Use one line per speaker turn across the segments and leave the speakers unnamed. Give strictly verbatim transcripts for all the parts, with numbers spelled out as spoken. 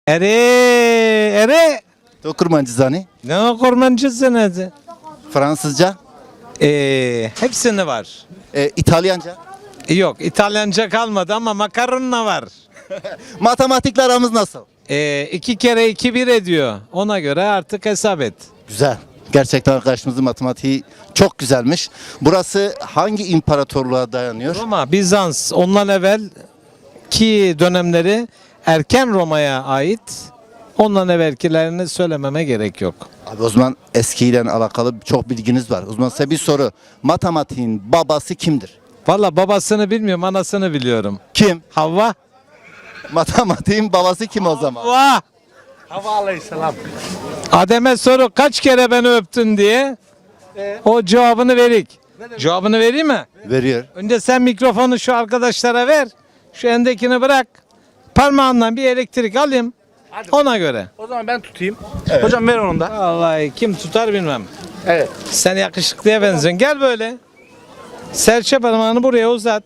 Ere, ere.
To kurmancızani.
Ne o kurmancısı ne?
Fransızca.
Ee, hepsinde var.
E, İtalyanca.
Yok, İtalyanca kalmadı ama makarna var.
Matematikle aramız nasıl?
Ee, iki kere iki bir ediyor. Ona göre artık hesap et.
Güzel. Gerçekten arkadaşımızın matematiği çok güzelmiş. Burası hangi imparatorluğa dayanıyor?
Roma, Bizans, ondan evvel ki dönemleri erken Roma'ya ait. Ondan evvelkilerini söylememe gerek yok.
Abi o zaman eskiyle alakalı çok bilginiz var. O zaman size bir soru. Matematiğin babası kimdir?
Valla babasını bilmiyorum, anasını biliyorum.
Kim?
Havva.
Matematiğin babası kim o zaman?
Havva.
Hava aleyhisselam.
Adem'e soru kaç kere beni öptün diye. O cevabını verik. Cevabını vereyim mi?
Veriyor.
Önce sen mikrofonu şu arkadaşlara ver. Şu endekini bırak. Parmağından bir elektrik alayım. Ona göre.
O zaman ben tutayım. Hocam ver onu da.
Vallahi kim tutar bilmem.
Evet.
Sen yakışıklıya benziyorsun. Gel böyle. Serçe parmağını buraya uzat.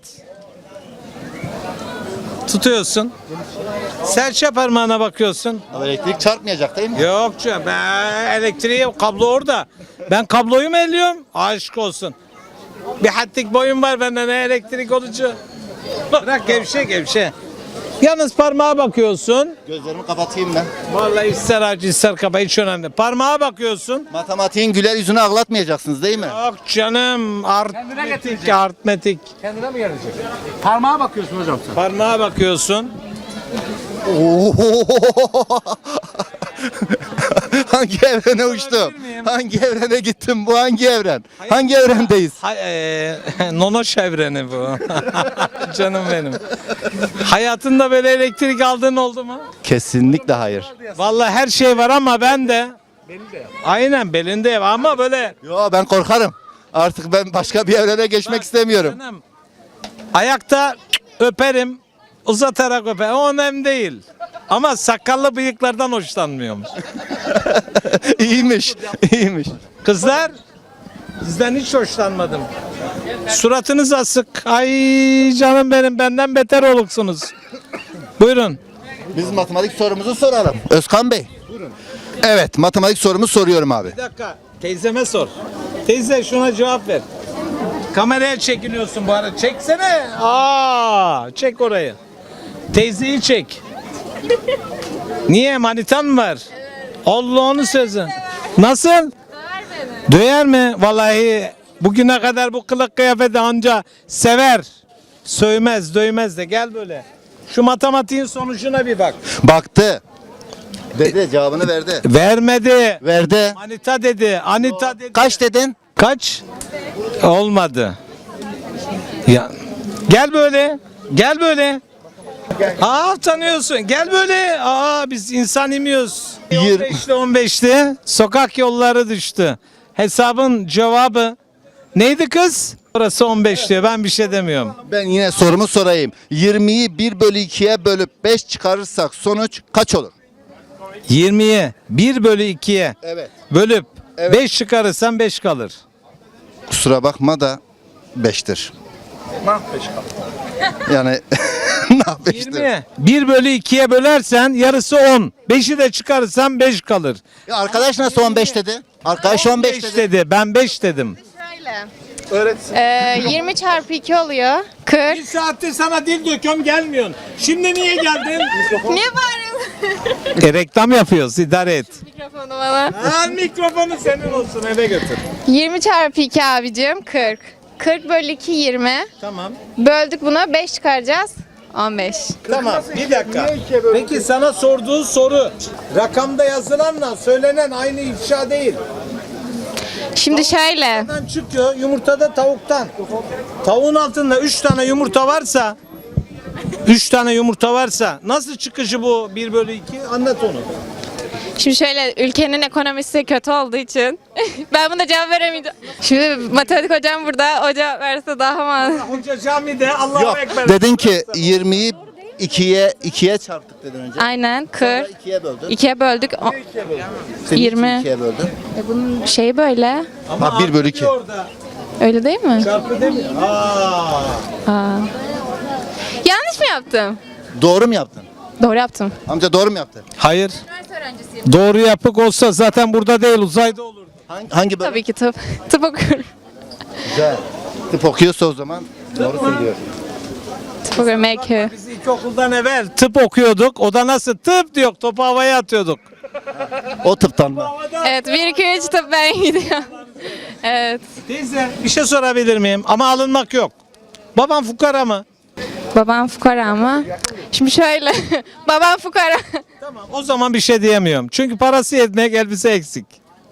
Tutuyorsun. Serçe parmağına bakıyorsun.
Ama elektrik çarpmayacak değil mi?
Yok canım. Ben elektriği kablo orada. Ben kabloyu mu elliyorum? Aşk olsun. Bir hattik boyum var bende, ne elektrik olucu. Bırak gevşe gevşe. Yalnız parmağa bakıyorsun.
Gözlerimi kapatayım ben.
Vallahi ister aç ister kapa hiç önemli. Parmağa bakıyorsun.
Matematiğin güler yüzünü ağlatmayacaksınız değil mi?
Yok canım. Artmetik, artmetik.
Kendine mi gelecek? Parmağa bakıyorsun hocam sen.
Parmağa bakıyorsun.
Hangi evrene uçtum? Hangi evrene gittim? Bu hangi evren? Hangi evrendeyiz?
Ha, e, nonoş evreni bu. Canım benim. Hayatında böyle elektrik aldığın oldu mu?
Kesinlikle hayır.
Vallahi her şey var ama ben de. Aynen belinde ama böyle.
Yo ben korkarım. Artık ben başka bir evrene geçmek
Bak,
istemiyorum.
canım, ayakta öperim, uzatarak öperim. O önemli değil. Ama sakallı bıyıklardan hoşlanmıyormuş.
İyiymiş, iyiymiş.
Kızlar, sizden hiç hoşlanmadım. Suratınız asık. Ay canım benim, benden beter olursunuz. Buyurun.
Biz matematik sorumuzu soralım. Özkan Bey. Evet, matematik sorumu soruyorum abi.
Bir dakika, teyzeme sor. Teyze şuna cevap ver. Kameraya çekiniyorsun bu arada. Çeksene. Aa, çek orayı. Teyzeyi çek. Niye, manitan mı var? Allah'ını sözü. Nasıl?
Döver beni.
Döyer mi? Vallahi bugüne kadar bu kılık kıyafeti anca sever. Sövmez, döymez de. Gel böyle. Şu matematiğin sonucuna bir bak.
Baktı. Dedi, cevabını verdi.
Vermedi.
Verdi.
Anita dedi. Anita dedi.
Kaç dedin?
Kaç? Olmadı. Ya gel böyle. Gel böyle. Aa tanıyorsun. Gel böyle. Aa biz insan imiyoruz.
Yir-
on beşte on beşte sokak yolları düştü. Hesabın cevabı neydi kız? Orası on beş diyor. Ben bir şey demiyorum.
Ben yine sorumu sorayım. yirmiyi bir bölü ikiye bölüp beş çıkarırsak sonuç kaç olur?
yirmiye bir bölü ikiye
Evet.
bölüp
Evet.
beş çıkarırsan beş kalır.
Kusura bakma da beştir.
Mahveş
Yani ne beştir?
yirmiye bir bölü ikiye bölersen yarısı on. beşi de çıkarırsan beş kalır.
Ya arkadaş nasıl on beş dedi? Arkadaş on beş
beş
dedi.
dedi. Ben beş dedim.
Şöyle.
Öğretsin.
Ee, yirmi çarpı iki oluyor. kırk.
Bir saattir sana dil döküyorum gelmiyorsun. Şimdi niye geldin?
Niye bağırıyorsun?
e, reklam yapıyoruz, idare et.
Mikrofonu bana.
Al mikrofonu senin olsun, eve götür.
yirmi çarpı iki abicim kırk. kırk bölü iki yirmi.
Tamam.
Böldük buna beş çıkaracağız. on beş.
Tamam bir dakika. Peki sana sorduğu soru rakamda yazılanla söylenen aynı ifşa değil.
Şimdi şöyle.
Yumurtadan çıkıyor, yumurtada tavuktan. Tavuğun altında üç tane yumurta varsa üç tane yumurta varsa nasıl çıkışı bu bir bölü iki? Anlat onu.
Şimdi şöyle, ülkenin ekonomisi kötü olduğu için ben buna cevap veremeyeceğim. Şimdi matematik hocam burada. O cevap verse daha mı?
Hoca camide Allahu
Yok.
Ekber.
Dedin ki yirmiyi ikiye ikiye çarptık dedin önce.
Aynen
Sonra
kırk.
ikiye böldün.
ikiye böldük. O-
Senin için
yirmi.
ikiye böldün.
E bunun şeyi böyle.
Ha, bir bölü iki.
Orada.
Öyle değil mi?
Çarpı demiyor. Aa.
Aa. Yanlış mı yaptım?
Doğru mu yaptın?
Doğru yaptım.
Amca doğru mu yaptı?
Hayır. Doğru yapık olsa zaten burada değil uzayda olurdu.
Hangi, hangi bölüm?
Tabii ki tıp. Tıp okuyorum.
Güzel. Tıp okuyorsa o zaman doğru söylüyor.
Tıp okuyorum E Q.
Biz ilkokuldan evvel tıp okuyorduk. O da nasıl tıp diyor. Topu havaya atıyorduk.
O tıptan mı?
Evet bir iki üç tıp ben gidiyorum. Evet.
Teyze bir şey sorabilir miyim? Ama alınmak yok. Babam fukara mı?
Babam fukara mı? Şimdi şöyle. Babam fukara.
Tamam o zaman bir şey diyemiyorum. Çünkü parası yetmek elbise eksik.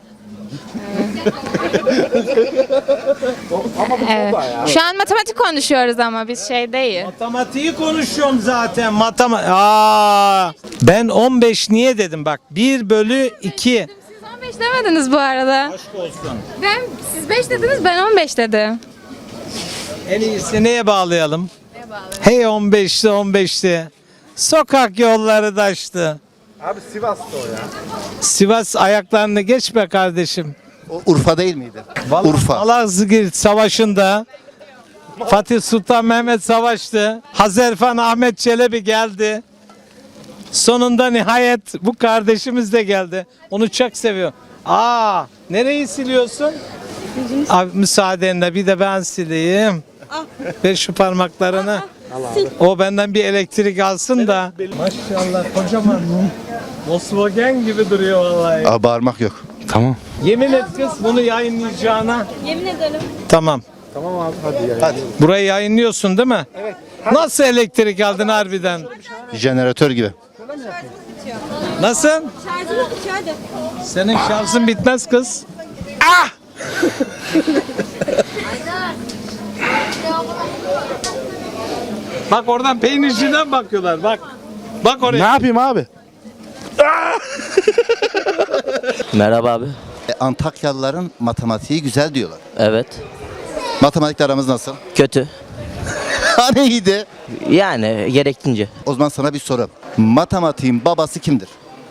Evet. Şu an matematik konuşuyoruz ama biz şey değil.
Matematiği konuşuyorum zaten. Matema Aa, ben on beş niye dedim bak. bir bölü iki.
Siz on beş demediniz bu arada.
Aşk olsun.
Ben siz beş dediniz ben on beş dedim.
En iyisi neye bağlayalım? Hey on beşti on beşti. Sokak yolları taştı.
Abi Sivas'ta o ya.
Sivas ayaklarını geçme kardeşim.
O Urfa değil miydi?
Vallahi
Urfa.
Malazgirt Savaşı'nda Fatih Sultan Mehmet savaştı. Hazarfen Ahmet Çelebi geldi. Sonunda nihayet bu kardeşimiz de geldi. Onu çok seviyor. Aa, nereyi siliyorsun? Abi müsaadenle bir de ben sileyim. Ver şu parmaklarını. O benden bir elektrik alsın da. Maşallah kocaman. Volkswagen gibi duruyor vallahi.
Aa, bağırmak yok.
Tamam.
Yemin et kız bunu yayınlayacağına.
Yemin ederim.
Tamam.
Tamam abi hadi ya.
Hadi.
Burayı yayınlıyorsun değil mi? Evet. Nasıl elektrik aldın harbiden?
Jeneratör gibi.
Nasıl?
Şarjım yok içeride.
Senin şarjın bitmez kız. Ah! Bak oradan peynirciden bakıyorlar bak. Bak
Ne
oraya.
yapayım abi?
Merhaba abi.
E, Antakyalıların matematiği güzel diyorlar.
Evet.
Matematikle aramız nasıl?
Kötü.
Hani iyiydi?
Yani gerektiğince.
O zaman sana bir soru. Matematiğin babası kimdir?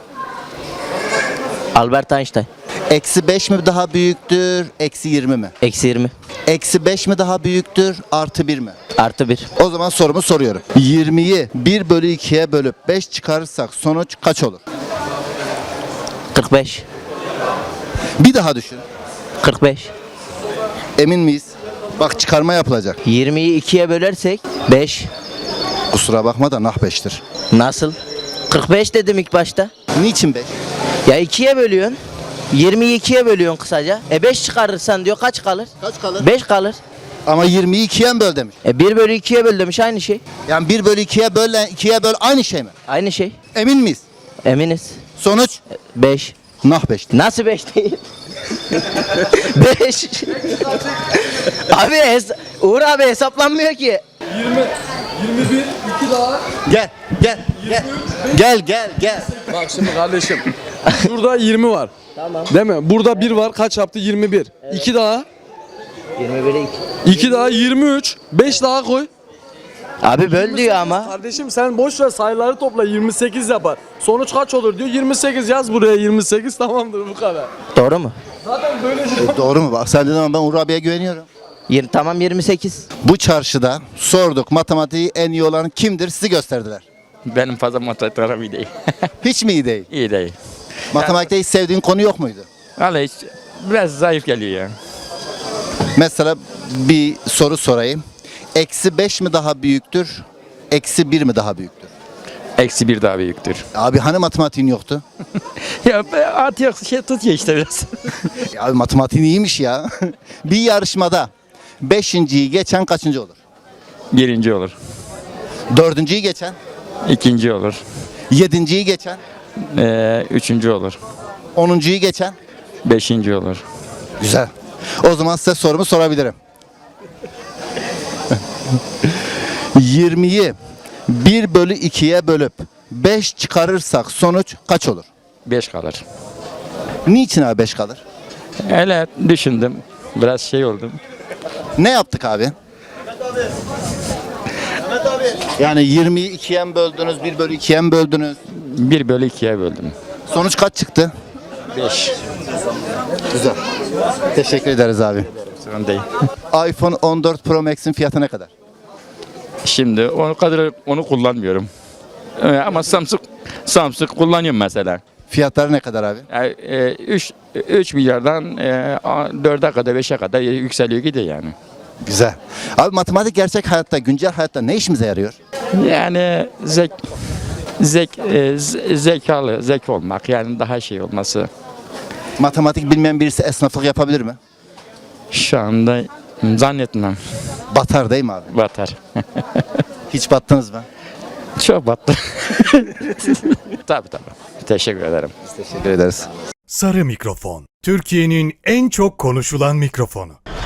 Albert Einstein.
Eksi beş mi daha büyüktür, eksi yirmi mi?
Eksi yirmi.
Eksi beş mi daha büyüktür, artı bir mi?
Artı bir.
O zaman sorumu soruyorum. yirmiyi bir bölü ikiye bölüp beş çıkarırsak sonuç kaç olur?
kırk beş.
Bir daha düşün.
kırk beş.
Emin miyiz? Bak çıkarma yapılacak.
yirmiyi ikiye bölersek beş.
Kusura bakma da nah beştir.
Nasıl? kırk beş dedim ilk başta.
Niçin beş?
Ya ikiye bölüyorsun. yirmiyi ikiye bölüyorsun kısaca. E beş çıkarırsan diyor kaç kalır?
Kaç kalır?
beş kalır.
Ama yirmiyi ikiye mi böl demiş.
E bir bölü ikiye böl demiş aynı şey.
Yani bir bölü ikiye böl, ikiye böl aynı şey mi?
Aynı şey.
Emin miyiz?
Eminiz.
Sonuç
beş.
nah beştir.
Nasıl beş değil? beş. Abi hes- Uğur abi hesaplanmıyor ki.
Gel, gel, gel. Gel, gel, gel.
Bak şimdi kardeşim. Şurada yirmi var. Tamam. Değil mi? Burada bir var. Kaç yaptı? yirmi bir. iki daha.
yirmi bire iki.
iki daha yirmi üç. beş daha koy.
Abi böl diyor ama.
Kardeşim sen boş ver sayıları topla yirmi sekiz yapar. Sonuç kaç olur diyor. yirmi sekiz yaz buraya yirmi sekiz tamamdır bu kadar.
Doğru mu?
Zaten böyle
E, doğru mu? Bak sen dedin ama ben Uğur abiye güveniyorum.
Yir- tamam yirmi sekiz.
Bu çarşıda sorduk matematiği en iyi olan kimdir? Sizi gösterdiler.
Benim fazla matematiklerim iyi değil.
Hiç mi iyi değil?
İyi değil.
Matematikte hiç sevdiğin konu yok muydu?
Valla hiç biraz zayıf geliyor ya.
Mesela bir soru sorayım. Eksi beş mi daha büyüktür? Eksi bir mi daha büyüktür?
Eksi bir daha büyüktür.
Abi hani matematiğin yoktu?
Ya be, at yok şey tutuyor işte biraz.
Ya abi matematiğin iyiymiş ya. Bir yarışmada beşinciyi geçen kaçıncı olur?
Birinci olur.
Dördüncüyü geçen?
İkinci olur.
Yedinciyi geçen?
Ee, üçüncü olur.
Onuncuyu geçen?
Beşinci olur.
Güzel. O zaman size sorumu sorabilirim. yirmiyi bir bölü ikiye bölüp beş çıkarırsak sonuç kaç olur?
Beş kalır.
Niçin abi beş kalır?
Öyle düşündüm. Biraz şey oldum.
Ne yaptık abi? Yani yirmiyi ikiye mi böldünüz, bir bölü ikiye mi böldünüz?
Bir bölü ikiye böldüm.
Sonuç kaç çıktı?
Beş.
Güzel. Teşekkür ederiz abi.
Sorun değil.
iPhone on dört Pro Max'in fiyatı ne kadar?
Şimdi onu kadar onu kullanmıyorum. Ee, ama Samsung Samsung kullanıyorum mesela.
Fiyatları ne kadar abi?
Yani, e, üç milyardan e, dörde kadar beşe kadar yükseliyor gidiyor yani.
Güzel. Abi matematik gerçek hayatta, güncel hayatta ne işimize yarıyor?
Yani zek zek e, z- zekalı zek olmak yani daha şey olması
Matematik bilmeyen birisi esnaflık yapabilir mi?
şu anda zannetmem
Batar değil mi abi?
batar.
Hiç battınız mı?
Çok battı. Tabii tabii. Teşekkür ederim.
Teşekkür ederiz.
Sarı Mikrofon. Türkiye'nin en çok konuşulan mikrofonu.